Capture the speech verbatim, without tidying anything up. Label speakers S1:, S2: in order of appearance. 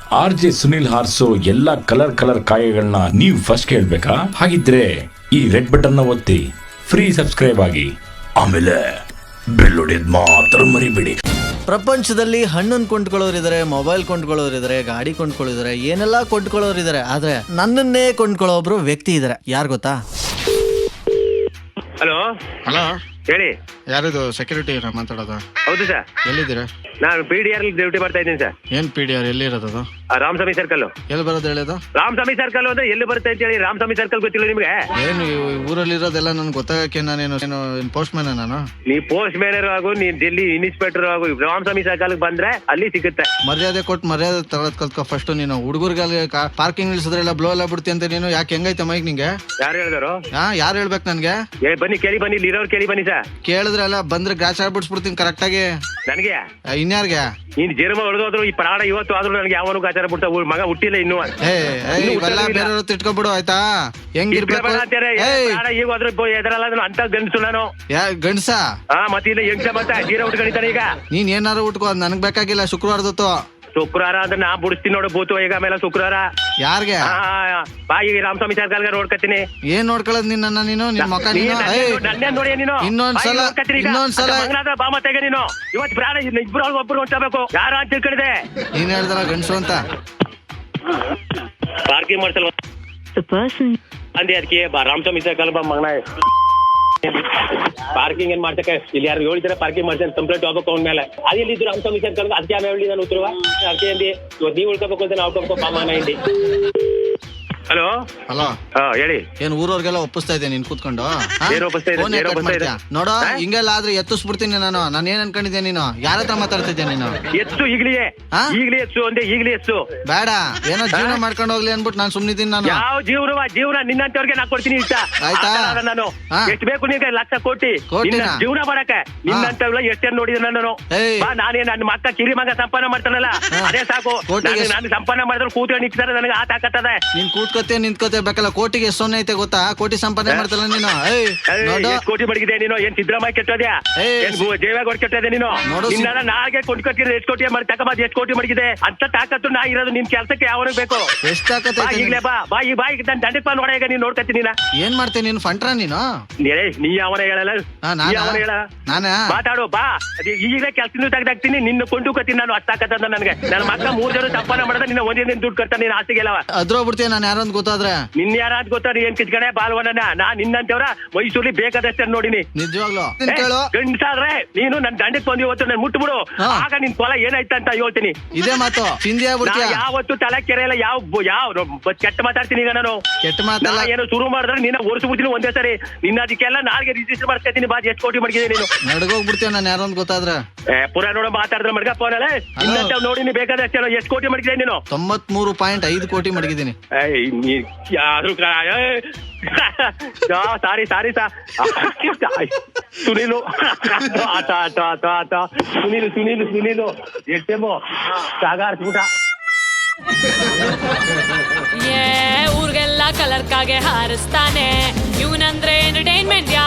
S1: R J Sunil ಹಾರ್ಸೋ ಎಲ್ಲಾ colour colour ಕಾಯಗಳನ್ನ ನೀವು first ಕೇಳ್ಬೇಕಾ? ಹಾಗಿದ್ರೆ ಈ ರೆಡ್ ಬಟನ್ ನ ಒತ್ತಿ ಫ್ರೀ ಸಬ್ಸ್ಕ್ರೈಬ್ ಆಗಿ, ಆಮೇಲೆ ಬೆಲ್ ಹೊಡೆಯೋದ್ ಮಾತ್ರ ಮರಿಬೇಡಿ.
S2: ಪ್ರಪಂಚದಲ್ಲಿ ಹಣ್ಣನ್ನು ಕೊಂಡ್ಕೊಳ್ಳೋರಿದ್ದಾರೆ, ಮೊಬೈಲ್ ಕೊಂಡ್ಕೊಳ್ಳೋರಿದ್ದಾರೆ, ಗಾಡಿ ಕೊಂಡ್ಕೊಳ್ಳೋರಿದ್ದಾರೆ, ಏನೆಲ್ಲ ಕೊಂಡ್ಕೊಳ್ಳೋರಿದ್ದಾರೆ. ಆದ್ರೆ ನನ್ನನ್ನೇ ಕೊಂಡ್ಕೊಳ್ಳೋ ಒಬ್ರು ವ್ಯಕ್ತಿ ಇದ್ದಾರೆ. ಯಾರು ಗೊತ್ತಾ?
S3: ಹಲೋ
S4: ಹಲೋ
S3: ಹೇಳಿ.
S4: ಯಾರಿದು ಸೆಕ್ಯೂರಿಟಿ ಮಾತಾಡೋದು?
S3: ಹೌದು ಸರ್.
S4: ಎಲ್ಲಿದ್ದೀರಾ?
S3: ನಾನು ಪಿ ಡಿ ಆರ್ ಡ್ಯೂಟಿ ಮಾಡ್ತಾ ಇದ್ದೀನಿ ಸರ್.
S4: ಏನ್ ಪಿ ಡಿ ಆರ್ ಎಲ್ಲಿ ಇರೋದು? ಅದು
S3: ರಾಮಸ್ವಾಮಿ ಸರ್ಕಲ್.
S4: ಎಲ್ಲಿ ಬರೋದು ಹೇಳಿದು?
S3: ರಾಮಸ್ವಾಮಿ ಸರ್ಕಲ್ ಅಂದ್ರೆ ಎಲ್ಲಿ ಬರುತ್ತೆ ಅಂತ ಹೇಳಿ. ರಾಮಸ್ವಾಮಿ ಸರ್ಕಲ್ ಗೊತ್ತಿಲ್ಲ ನಿಮ್ಗೆ?
S4: ಏನು ಊರಲ್ಲಿ ಇರೋದೆಲ್ಲ ನನ್ಗೆ ಗೊತ್ತಾಗಕ್ಕೆ ನಾನೇನು ಏನು ಪೋಸ್ಟ್ ಮ್ಯಾನ್ ನಾನು?
S3: ನೀ ಪೋಸ್ಟ್ ಮ್ಯಾನರ್ ಆಗು, ನೀನ್ ಡೆಲ್ಲಿ ಇನ್ಸ್ಪೆಕ್ಟರ್ ಆಗು, ರಾಮಸ್ವಾಮಿ ಸರ್ಕಲ್ ಬಂದ್ರೆ ಅಲ್ಲಿ ಸಿಗುತ್ತೆ.
S4: ಮರ್ಯಾದೆ ಕೊಟ್ಟು ಮರ್ಯಾದೆ ತಗೊಳದ್ ಕಲ್ತ್ಕೊ ಫಸ್ಟ್. ನೀನು ಹುಡುಗರಿಗೆ ಪಾರ್ಕಿಂಗ್ ನಿಲ್ಸಿದ್ರೆ ಎಲ್ಲ ಬ್ಲೋ ಎಲ್ಲ ಬಿಡ್ತಿ ಅಂತ ನೀನು ಯಾಕೆ? ಹೆಂಗೈತೆ ಮೈಕ್ ನಿಂಗೆ?
S3: ಯಾರು ಹೇಳಿದಾರು?
S4: ಹಾ ಯಾರು ಹೇಳ್ಬೇಕು ನನ್ಗೆ?
S3: ಏ ಬನ್ನಿ ಕೇಳಿ, ಬನ್ನಿ ಇಲ್ಲಿ ಇರೋರು ಕೇಳಿ ಬನ್ನಿ ಸರ್.
S4: ಕೇಳಿದ್ರೆ ಎಲ್ಲ ಬಂದ್ರೆ ಗ್ರಾಚ್ ಆಗ್ಬಿಡ್ಸ್ಬಿಡ್ತೀನಿ ಕರೆಕ್ಟ್ ಆಗಿ.
S3: ನನಗೆ
S4: ಇನ್ಯಾರ್ಗೆ?
S3: ನೀನ್ ಜರ್ಮ ಹೊಡೆದೋದ್ರು ಈ ಪ್ರಾಣ ಇವತ್ತು ಆದ್ರೂ ನನಗೆ ಯಾವನು ಗಾಚಾರ ಬಿಡ್ತಾ ಮಗ ಹುಟ್ಟಿಲ್ಲ ಇನ್ನು.
S4: ಏ ಇವೆಲ್ಲ ಬೇರೆಯವ್ರು ತಿಟ್ಕೊಬಿಡು ಆಯ್ತಾ? ಹೆಂಗಿರ್ಬೇಕು
S3: ಈಗ ಹೋದ್ರು ಎದರಲ್ಲ ಅಂತ ಗಂಡಸು ನಾನು.
S4: ಯಾ ಗಂಡ್ಸ?
S3: ಹಾ ಮತ್ತೆ ಇಲ್ಲ ಹೆಂಗ್ಸ ಮತ್ತೆ ಜೀರ ಉಟ್ಕೊಂಡಿದ್ದಾನೆ ಈಗ.
S4: ನೀನ್ ಏನಾರು ಉಟ್ಕೋ, ನನಗ್ ಬೇಕಾಗಿಲ್ಲ. ಶುಕ್ರವಾರದತ್ತು
S3: ಶುಕ್ರವಾರ ಅಂದ್ರೆ ನಾ ಬಿಡಿಸ್ತೀನಿ ನೋಡು ಭೂತು. ಈಗ ಆಮೇಲೆ ಶುಕ್ರವಾರ
S4: ಯಾರ್ಗೆ?
S3: ಬಾ ಈಗ ರಾಮಸ್ವಾಮಿ ಸರ್ಕಲ್ಗೆ ನೋಡ್ಕತ್ತೀನಿ.
S4: ಏನ್ ನೋಡ್ಕೊಳ್ಳೋದ್ ನಿನ್ನ? ನೀನು ನಿನ್ ಮಕ್ಕ
S3: ನನ್ನೇ ನೋಡಿ ನೀನು.
S4: ಇನ್ನೊಂದ್ಸಲ ಇನ್ನೊಂದ್ಸಲ
S3: ಬಾ ಮತ್ತೆ ನೀನು ಇವತ್ತು ಪ್ರಾಣ ಇಬ್ರು ಒಬ್ರು ಹೊಂಟಬೇಕು. ಯಾರ ಅಂತ ತಿಳ್ಕೊಂಡಿದೆ?
S4: ನೀನ್ ಹೇಳ್ದಲ್ಲ ಗಂಡ್ಸು ಅಂತ.
S3: ಪಾರ್ಕಿಂಗ್ ಮಾಡ್ಸಲ್ವ ಅಂದೆ ಅದಕ್ಕೆ ರಾಮಸ್ವಾಮಿ ಸರ್ಕಲ್ ಬಾ ಮಗನ. ಪಾರ್ಕಿಂಗ್ ಏನ್ ಮಾಡ್ತಕ್ಕೆ ಇಲ್ಲಿ ಯಾರು ಹೇಳ್ತಾರೆ? ಪಾರ್ಕಿಂಗ್ ಮಾಡ್ತಾರೆ ಕಂಪ್ಲೇಂಟ್ ಹೋಗ್ಬೇಕು ಅವನ ಮೇಲೆ. ಅದೇ ಇದ್ದು ರಾಮಸ್ವಾಮಿ ಸರ್ಕಲ್ ಅದಕ್ಕೆ ಆಮೇಲೆ ಹೇಳಿ ನಾನು ಉತ್ತರವ ಅದಕ್ಕೆ ಅಂದಿ ಇವತ್ತು ನೀವು ಉಳ್ಕೋಬೇಕು ಅಂತ ನಾವು ಉಳ್ಕೋಬೇಕು ಬಾ ಮಗನ ಇಲ್ಲಿ. ಹಲೋ
S4: ಹಲೋ
S3: ಹಾ ಹೇಳಿ.
S4: ಏನ್ ಊರವ್ರಿಗೆಲ್ಲ ಒಪ್ಪಿಸ್ತಾ ಇದ್ದೆ ನೀನ್ ಕೂತ್ಕೊಂಡು? ನೋಡೋ ಹಿಂಗೆಲ್ಲ ಆದ್ರೆ ಎತ್ತಿಸ್ಬಿಡ್ತೀನಿ ನಾನು. ನಾನು ಏನ್ ಅನ್ಕೊಂಡಿದ್ದೆ? ನೀನು ಯಾರ ಹತ್ರ ಮಾತಾಡ್ತಿದ್ದೆ ನೀನು?
S3: ಎತ್ತು ಈಗ್ಲೇ ಈಗ್ಲೇ ಎತ್ತು ಅಂದೆ ಈಗ್ಲೇ ಎತ್ತು.
S4: ಬೇಡ, ಏನೋ ಜೀವನ ಮಾಡ್ಕೊಂಡು ಹೋಗ್ಲಿ ಅನ್ಬಿಟ್ಟು ನಾನು ಸುಮ್ನಿದ್ದೀನಿ. ನಾನು
S3: ಯಾವ ಜೀವನ ಜೀವನ ನಿನ್ನಂತವ್ರಿಗೆ ನಾ ಕೊಡ್ತೀನಿ ಇಷ್ಟ
S4: ಆಯ್ತಾ?
S3: ನಾನು ಎಷ್ಟು ಬೇಕು ನಿನ್ಗೆ ಲಕ್ಷ ಕೋಟಿ ಜೀವನ ಮಾಡಕ್ಕೆ ನಿನ್ನಂತವ್ರ ಎಷ್ಟೇನ್ ನೋಡಿದ ನಾನು. ಬಾ ನಾನೇ ನನ್ನ ಮಕ್ಕ ಕಿರಿ ಮಗ ಸಂಪಾದನೆ ಮಾಡ್ತಾನಲ್ಲ ಅದೇ ಸಾಕು. ನಾನು ಸಂಪಾದನೆ ಮಾಡಿದ್ರೆ ಕೂತ್ಕೊಂಡು ನಿಂತಾರೆ ನನಗೆ ಆ ತಾಕತ್ತದೆ.
S4: ನೀನ್ ಕೂತ್ಕೋತೆ ನಿಂತ್ಕೋತೆ ಬೇಕಲ್ಲ. ಕೋಟಿಗೆ ಎಷ್ಟು ಸೊನ್ನೆ ಐತೆ ಗೊತ್ತಾ? ಕೋಟಿ ಸಂಪಾದನೆ ಮಾಡ್ತಲ್ಲ ನೀನು.
S3: ಎಷ್ಟು ಕೋಟಿ ಮಡಗಿದೆ ನೀನು? ಏನ್ ಸಿದ್ದರಾಮಯ್ಯ ಕೆಟ್ಟೋದ್ಯಾ? ದೇವೇಗೌಡ ಕೆಟ್ಟದೆ ನೀನು? ನಿನ್ನ ನಾಗೆ ಕೊಂಡ್ಕೊಟ್ಟಿದ್ರೆ ಎಷ್ಟು ಕೋಟಿ ಮಾಡಿ ತಗೊಂಬ. ಎಷ್ಟು ಕೋಟಿ ಮಡಗಿದೆ ಅಂತ ತಾಕತ್ತು ನಾ ಇರೋದು. ನಿನ್ ಕೆಲ್ಸಕ್ಕೆ ಯಾವ ಬೇಕು?
S4: ಎಷ್ಟು ತಾಕತ್ ಐತೆ?
S3: ಈಗಲೇ ಬಾ ಬಾ ಈ ಬಾ ಈಗ ದಂಡಕ್ ಬಾ ನೋಡ. ಈಗ ನೀನ್ ನೋಡ್ಕತ್ತೀನಿ.
S4: ಏನ್ ಮಾಡ್ತೀನಿ ನೀನು? ಫಂಟ್ರ ನೀನು?
S3: ನೀ ಅವನ ಹೇಳಲ್ಲ, ಅವನ ಹೇಳ ಮಾತಾಡು ಬಾ. ಈಗಲೇ ಕೆಲ್ಸ ತೆಗ್ದಾಕ್ತೀನಿ. ನಿನ್ನ ಕೊಂಡುಕತ್ತೀನಿ ನಾನು. ಅಷ್ಟಾಕತ್ತ ನನ್ಗೆ. ನನ್ನ ಮಕ್ಕ ಮೂರ್ ಜನ ಸಂಪಾದನೆ ಮಾಡಿದ್ರೆ ನಿನ್ನ ಒಂದೇ ದಿನ ದುಡ್ಡು ಕಟ್ತಾನೆ. ನೀನ್ ಆಸ್ತಿಗೆಲ್ಲ
S4: ಅದ್ರೋಗ್ಬಿಡ್ತೀನಿ ನಾನು. ಯಾರಂತ ಗೊತ್ತಾದ್ರೆ
S3: ನಿನ್ ಯಾರ ಅಂತ ಗೊತ್ತಾ? ಏನ್ ಕಿಚ್ಕಡೆ ಬಾಲ್ವನ ನಾ ನಿನ್ನಂತವ್ರ ಮೈಸೂರಲ್ಲಿ ಬೇಕಾದಷ್ಟೇ ನೋಡಿನಿ.
S4: ನಿಜವಾಗ್ಲು
S3: ಗಂಡ್ಸಾದ್ರೆ ನೀನು ನನ್ ದಂಡಕ್ ಬಂದು ಇವತ್ತು ನನ್ ಮುಟ್ಬಿಡು. ಆಗ ನಿನ್ ಕೊಲ ಏನಾಯ್ತ ಅಂತ ಹೇಳ್ತೀನಿ.
S4: ಇದೇ ಮಾತು ಚಿಂದಿ ಆಗ್ಬಿಡ್ತೀಯ.
S3: ಯಾವತ್ತು ತಲೆ ಕೆರೆಯಲ್ಲ. ಯಾವ ಯಾವ ಕೆಟ್ಟ ಮಾತಾಡ್ತೀನಿ ಈಗ ನಾನು.
S4: ಕೆಟ್ಟ ಮಾತಲ್ಲ.
S3: ಏನೋ ಶುರು ಮಾಡಿದ್ರೆ ನಿನ್ನ ಓಡಿಸ್ಬಿಡ್ತೀನಿ ಒಂದೇ ಸರಿ. ನಿನ್ನ ಅದಕ್ಕೆಲ್ಲ ನಾಲ್ಗೆ ರಿಜಿಸ್ಟರ್ ಮಾಡ್ಕೊತೀನಿ. ಬಾ ಎಷ್ಟು ಕೋಟಿ ಮಡಗಿದೆ ನೀನು?
S4: ನಡ್ಗೋಗ್ಬಿಡ್ತೀಯ ನಾನು ಯಾರು ಅಂತ ಗೊತ್ತಾದ್ರೆ.
S3: ಪುರಾ ನೋಡ ಮಾತಾಡಿದ್ರೆ ಮಡ್ಗ ಫೋನಲ್ಲ ಇನ್ನಂತ ನೋಡಿನಿ ಬೇಕಾದಷ್ಟೇ. ಎಷ್ಟು ಕೋಟಿ ಮಡಗಿದೆ ನೀನು?
S4: ತೊಂಬತ್ಮೂರು ಪಾಯಿಂಟ್ ಐದು ಕೋಟಿ ಮಡಗಿದ್ದೀನಿ.
S3: ಯಾರು ಸಾರಿ ಸಾರಿ ಸಾ ಸುನೀಲು ಆಟ ಆಟ ಆಟ ಆಟ ಸುನೀಲು ಸುನೀಲು ಸುನೀಲು ಎಷ್ಟೇಮೋ ಸಾಗಾರ್ಸ್ಬಿಟ.
S5: ಊರ್ಗೆಲ್ಲ ಕಲರ್ ಕಾಗೆ ಹಾರಿಸ್ತಾನೆ ಇವನಂದ್ರೆ ಎಂಟರ್ಟೈನ್ಮೆಂಟ್.